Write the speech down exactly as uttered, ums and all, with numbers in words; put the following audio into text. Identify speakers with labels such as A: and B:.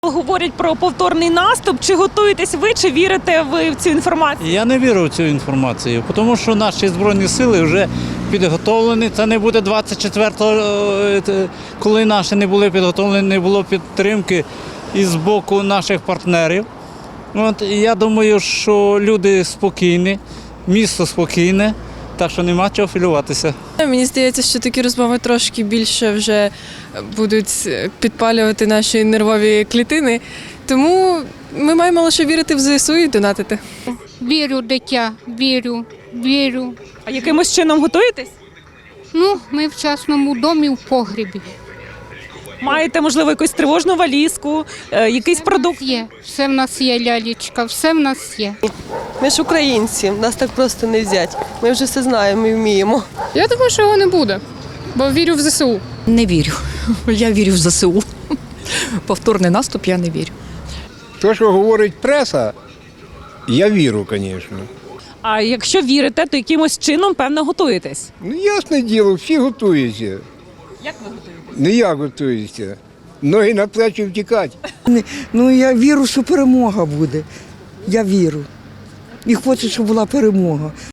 A: Говорять про повторний наступ. Чи готуєтесь ви, чи вірите ви в цю інформацію?
B: Я не вірю в цю інформацію, тому що наші Збройні сили вже підготовлені. Це не буде двадцять четвертого, коли наші не були підготовлені, не було підтримки із боку наших партнерів. От, і я думаю, що люди спокійні, місто спокійне, так що нема чого хвилюватися.
C: Мені здається, що такі розмови трошки більше вже будуть підпалювати наші нервові клітини. Тому ми маємо лише вірити в ЗСУ і донатити.
D: Вірю, дитя, вірю, вірю.
A: А якимось чином готуєтесь?
D: Ну, ми в частному домі в погрібі.
A: Маєте, можливо, якусь тривожну валізку, е, якийсь продукт?
D: Є, все в нас є, лялечка, все в нас є.
E: Ми ж українці, нас так просто не взять. Ми вже все знаємо і вміємо.
C: Я думаю, що його не буде, бо вірю в ЗСУ.
F: Не вірю. Я вірю в ЗСУ. Повторний наступ я не вірю.
G: То, що говорить преса, я вірю, звісно.
A: А якщо вірите, то якимось чином, певно, готуєтесь.
G: Ну, ясне діло, всі готуються.
A: Як ви готуєтесь?
G: Не я готуюся. Ноги на плечі втікати.
H: Ну, я вірю, що перемога буде. Я вірю. І хочу, щоб була перемога.